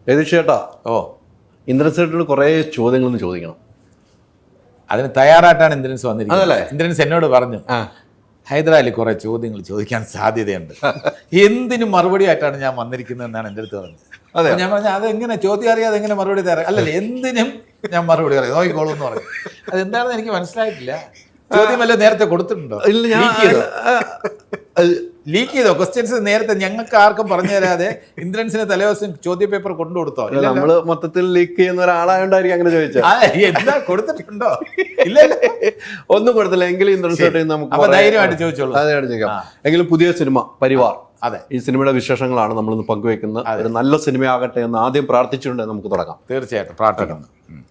ചേട്ടാ, ഇന്ദ്രൻസേട്ടനോട് കുറേ ചോദ്യങ്ങളൊന്ന് ചോദിക്കണം. അതിന് തയ്യാറായിട്ടാണ് ഇന്ദ്രൻസ് വന്നിരിക്കുന്നത്. ഇന്ദ്രൻസ് എന്നോട് പറഞ്ഞു, ഹൈദരാലി കുറെ ചോദ്യങ്ങൾ ചോദിക്കാൻ സാധ്യതയുണ്ട്, എന്തിനും മറുപടി ആയിട്ടാണ് ഞാൻ വന്നിരിക്കുന്നത് എന്നാണ് എൻ്റെ അടുത്ത് പറഞ്ഞത്. ഞാൻ പറഞ്ഞു, അതെങ്ങനെ ചോദ്യം അറിയാതെ എങ്ങനെ മറുപടി തരാം? അല്ലല്ലേ, എന്തിനും ഞാൻ മറുപടി അറിയാം, നോക്കിക്കോളൂ എന്ന് പറഞ്ഞു. അതെന്താണെന്ന് എനിക്ക് മനസ്സിലായിട്ടില്ല. ചോദ്യം വല്ല നേരത്തെ കൊടുത്തിട്ടുണ്ടോ? ലീക്ക് ചെയ്തോ ക്വസ്റ്റ്യൻസ്? നേരത്തെ ഞങ്ങൾക്ക് ആർക്കും പറഞ്ഞു തരാതെ ഇന്ദ്രൻസിന് തലേദിവസം ചോദ്യ പേപ്പർ കൊണ്ടു കൊടുത്തോ? നമ്മള് മൊത്തത്തിൽ ലീക്ക് ചെയ്യുന്ന ഒരാളായോണ്ടായിരിക്കും അങ്ങനെ ചോദിച്ചത്. എന്താ കൊടുത്തിട്ടുണ്ടോ? ഇല്ലല്ലോ, ഒന്നും കൊടുത്തില്ല. എങ്കിലും ഇന്ദ്രൻസ് നമുക്ക് ധൈര്യമായിട്ട് ചോദിച്ചോളൂ. എങ്കിലും പുതിയ സിനിമ പരിവാർ, അതെ, ഈ സിനിമയുടെ വിശേഷങ്ങളാണ് നമ്മളിന്ന് പങ്കുവെക്കുന്നത്. ഒരു നല്ല സിനിമയാകട്ടെ എന്ന് ആദ്യം പ്രാർത്ഥിച്ചുകൊണ്ട് നമുക്ക് തുടങ്ങാം. തീർച്ചയായിട്ടും പ്രാർത്ഥിക്കുന്നു.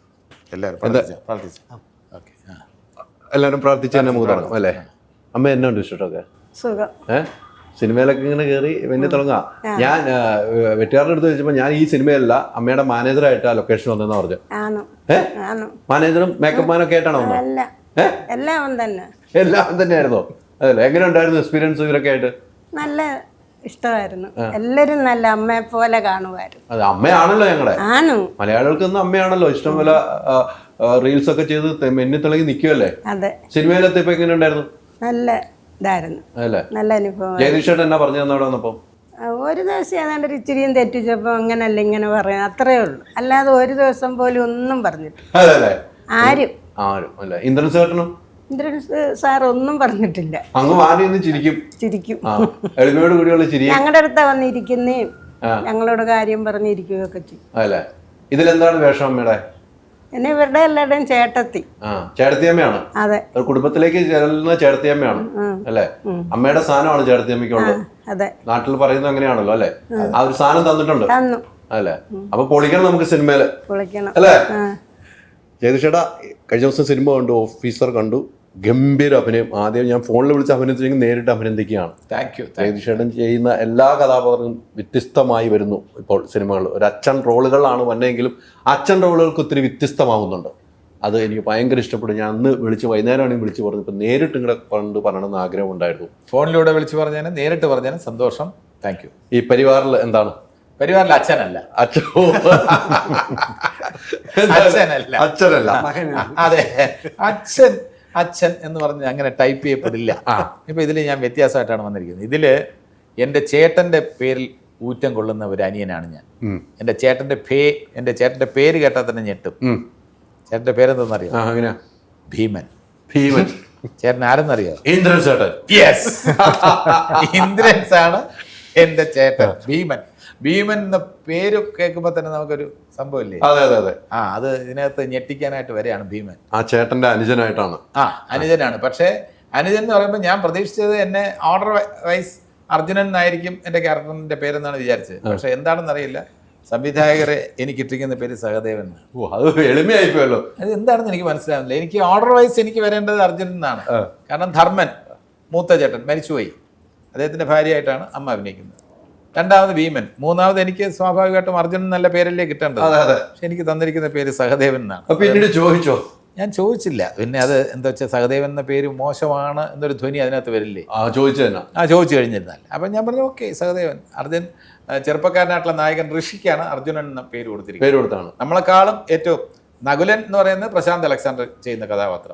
എല്ലാവരും പ്രാർത്ഥിച്ച് തന്നെ നമുക്ക് തുടങ്ങാം അല്ലേ? അമ്മ എന്നാ ഉണ്ട് വിശേഷമൊക്കെ? സിനിമയിലൊക്കെ ഇങ്ങനെ കയറി പിന്നെ തുടങ്ങാം. ഞാൻ വെട്ടുകാരുടെ അടുത്ത് ചോദിച്ചപ്പോൾ ഞാൻ ഈ സിനിമയല്ല അമ്മയുടെ മാനേജറായിട്ട് ആ ലൊക്കേഷൻ വന്നെന്ന് പറഞ്ഞു. മാനേജറും മേക്കപ്പ് മാനും ഒക്കെ ആയിട്ടാണോ വന്നത്? എല്ലാം തന്നെയായിരുന്നോ? അതല്ലേ, എങ്ങനെ ഉണ്ടായിരുന്നു എക്സ്പീരിയൻസ് ഇവരൊക്കെ ആയിട്ട്? നല്ല ഇഷ്ടമായിരുന്നു. എല്ലാരും നല്ല അമ്മയെ പോലെ കാണുമായിരുന്നു. അതെ, അമ്മയാണല്ലോ ഞങ്ങളുടെ മലയാളികൾക്കൊന്നും അമ്മയാണല്ലോ. ഇഷ്ടംപോലെ റീൽസ് ഒക്കെ ചെയ്ത് മെന്നിത്തിളങ്ങി നിൽക്കുമല്ലേ? അതെ. സിനിമയിലെത്തിയപ്പോ എങ്ങനെ ഉണ്ടായിരുന്നു? നല്ല ഇതായിരുന്നു, നല്ല അനുഭവം. ജഗദീഷേട്ടൻ എന്നാ പറഞ്ഞു തന്നെ അവിടെ വന്നപ്പോ? ഒരു ദിവസം ഏതാണ്ട് ഒരു ഇച്ചിരിയും തെറ്റിച്ചപ്പോ അങ്ങനല്ല ഇങ്ങനെ പറയാം, അത്രേ ഉള്ളൂ. അല്ലാതെ ഒരു ദിവസം പോലും ഒന്നും പറഞ്ഞിട്ടില്ല ആരും. അല്ല, ഇന്ദ്രൻസേട്ടനും സാർ ഒന്നും പറഞ്ഞിട്ടില്ല. അങ്ങ് ചിരിക്കും. ഞങ്ങളുടെ അടുത്താ വന്നിരിക്കുന്നേ, ഞങ്ങളോട് കാര്യം പറഞ്ഞിരിക്കുകയൊക്കെ ചെയ്യും. അല്ലേ, ഇതിലെന്താണ് വേഷം അമ്മയുടെ? എന്നെ ഇവരുടെ എല്ലാവരുടെയും ചേട്ടത്തി. ചേട്ടത്തിയമ്മയാണ്. അതെ, കുടുംബത്തിലേക്ക് ചെല്ലുന്ന ചേട്ടത്തിയമ്മയാണ് അല്ലേ? അമ്മയുടെ സ്ഥാനമാണ് ചേട്ടത്തിയമ്മയ്ക്കുള്ളത്. അതെ, നാട്ടിൽ പറയുന്നത് അങ്ങനെയാണല്ലോ അല്ലെ? ആ ഒരു സ്ഥാനം തന്നിട്ടുണ്ട് അല്ലേ? അപ്പൊ പൊളിക്കണം നമുക്ക് സിനിമയില്, പൊളിക്കണം അല്ലേ? ജഗദീഷേട്ടാ, കഴിഞ്ഞ ദിവസം സിനിമ കണ്ടു, ഓഫീസർ കണ്ടു, ഗംഭീര അഭിനയം. ആദ്യം ഞാൻ ഫോണിൽ വിളിച്ച് അഭിനയിച്ചെങ്കിൽ നേരിട്ട് അഭിനന്ദിക്കുകയാണ്. ജഗദീഷേട്ടൻ ചെയ്യുന്ന എല്ലാ കഥാപാത്രങ്ങളും വ്യത്യസ്തമായി വരുന്നു ഇപ്പോൾ സിനിമകളിൽ. ഒരു അച്ഛൻ റോളുകളാണ് വന്നെങ്കിലും അച്ഛൻ റോളുകൾക്ക് ഒത്തിരി വ്യത്യസ്തമാകുന്നുണ്ട്. അത് എനിക്ക് ഭയങ്കര ഇഷ്ടപ്പെട്ടു. ഞാൻ അന്ന് വൈകുന്നേരമാണെങ്കിൽ വിളിച്ച് പറഞ്ഞു, ഇപ്പം നേരിട്ട് ഇങ്ങനെ കൊണ്ട് പറയണമെന്ന് ആഗ്രഹം ഉണ്ടായിരുന്നു. ഫോണിലൂടെ വിളിച്ച് പറഞ്ഞാലും നേരിട്ട് പറഞ്ഞാലും സന്തോഷം. Thank you. ഈ പരിവാറിൽ എന്താണ്? പരിവാറിൽ അച്ഛനല്ല. അച്ഛനല്ല. അതെ, അച്ഛൻ എന്ന് പറഞ്ഞ് അങ്ങനെ ടൈപ്പ് ചെയ്യപ്പെടില്ല. ഇപ്പൊ ഇതില് ഞാൻ വ്യത്യാസമായിട്ടാണ് വന്നിരിക്കുന്നത്. ഇതില് എൻ്റെ ചേട്ടന്റെ പേരിൽ ഊറ്റം കൊള്ളുന്ന ഒരു അനിയനാണ് ഞാൻ. എൻ്റെ ചേട്ടന്റെ പേര് കേട്ടാൽ തന്നെ ഞെട്ടും. ചേട്ടന്റെ പേരെന്തെന്നറിയോ? ഭീമൻ. ചേട്ടൻ ആരെന്നറിയോ? ഇന്ദ്രൻസ് ആണ് എൻ്റെ ചേട്ടൻ. ഭീമൻ എന്ന പേര് കേൾക്കുമ്പോൾ തന്നെ നമുക്കൊരു സംഭവമില്ലേ? അതെ. അത് ഇതിനകത്ത് ഞെട്ടിക്കാനായിട്ട് വരെയാണ് ഭീമൻ. ആ ചേട്ടന്റെ അനുജനായിട്ടാണ്. അനുജനാണ്. പക്ഷേ അനുജൻ എന്ന് പറയുമ്പോൾ ഞാൻ പ്രതീക്ഷിച്ചത് എന്നെ ഓർഡർ വൈസ് അർജുനൻ എന്നായിരിക്കും എൻ്റെ ക്യാരക്ടറിന്റെ പേരെന്നാണ് വിചാരിച്ചത്. പക്ഷെ എന്താണെന്ന് അറിയില്ല, സംവിധായകരെ എനിക്ക് ഇട്ടിരിക്കുന്ന പേര് സഹദേവൻ. അത് എളിമയായിപ്പോയല്ലോ. അത് എന്താണെന്ന് എനിക്ക് മനസ്സിലാവുന്നില്ല. എനിക്ക് ഓർഡർ വൈസ് എനിക്ക് വരേണ്ടത് അർജുനൻ എന്നാണ്. കാരണം ധർമ്മൻ മൂത്ത ചേട്ടൻ മരിച്ചുപോയി, അദ്ദേഹത്തിന്റെ ഭാര്യയായിട്ടാണ് അമ്മ അഭിനയിക്കുന്നത്. രണ്ടാമത് ഭീമൻ, മൂന്നാമത് എനിക്ക് സ്വാഭാവികമായിട്ടും അർജുനൻ നല്ല പേരല്ലേ കിട്ടേണ്ടത്. പക്ഷെ എനിക്ക് തന്നിരിക്കുന്ന പേര് സഹദേവൻ എന്നാണ്. ഞാൻ ചോദിച്ചില്ല. പിന്നെ അത് എന്താ വെച്ചാൽ സഹദേവൻ എന്ന പേര് മോശമാണ് എന്നൊരു ധ്വനി അതിനകത്ത് വരില്ലേ? ചോദിച്ചു കഴിഞ്ഞിരുന്നാൽ അപ്പം ഞാൻ പറഞ്ഞു ഓക്കെ സഹദേവൻ. അർജുൻ ചെറുപ്പക്കാരനായിട്ടുള്ള നായകൻ ഋഷിക്കാണ് അർജുനൻ എന്ന പേര് കൊടുത്തിരിക്കുന്നത്. നമ്മളെക്കാളും ഏറ്റവും നകുലൻ എന്ന് പറയുന്നത് പ്രശാന്ത് അലക്സാണ്ടർ ചെയ്യുന്ന കഥാപാത്രം.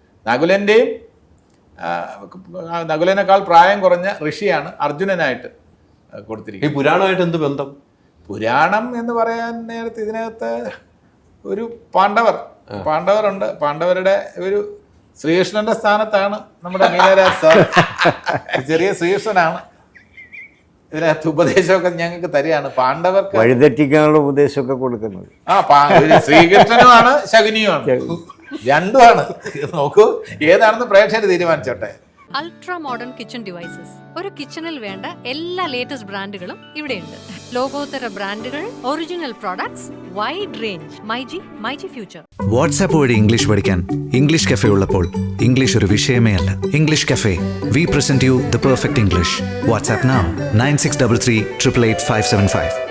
നകുലനേക്കാൾ പ്രായം കുറഞ്ഞ ഋഷിയാണ് അർജുനനായിട്ട് കൊടുത്തിരിക്കുന്നത്. ഈ പുരാണമായിട്ട് എന്ത് ബന്ധം? പുരാണം എന്ന് പറയാൻ നേരത്തെ ഇതിനകത്ത് ഒരു പാണ്ഡവരുണ്ട്. പാണ്ഡവരുടെ ഒരു ശ്രീകൃഷ്ണന്റെ സ്ഥാനത്താണ് നമ്മുടെ മീനരാജ് സാർ. ചെറിയ ശ്രീകൃഷ്ണനാണ്. ഇതിനകത്ത് ഉപദേശമൊക്കെ ഞങ്ങൾക്ക് തരികയാണ്. പാണ്ഡവർക്ക് വഴിതെറ്റിക്കാനുള്ള ഉപദേശമൊക്കെ കൊടുക്കുന്നത് ശ്രീകൃഷ്ണനുമാണ് ശകുനിയുമാണ്, രണ്ടുമാണ്. നോക്കൂ, ഏതാണെന്ന് പ്രേക്ഷകർ തീരുമാനിച്ചോട്ടെ. Ultra modern kitchen devices. ഒരു കിച്ചണിൽ വേണ്ട എല്ലാ ലേറ്റസ്റ്റ് ബ്രാൻഡുകളും ഇവിടെയുണ്ട്. ലോകോത്തര ബ്രാൻഡുകൾ, original products, wide range. MyG future. WhatsApp വഴി ഇംഗ്ലീഷ് പഠിക്കാൻ ഇംഗ്ലീഷ് കഫേ ഉള്ളപ്പോൾ ഇംഗ്ലീഷ് ഒരു വിഷയമേ അല്ല. English cafe, we present you the perfect English. WhatsApp now 9633 888 575.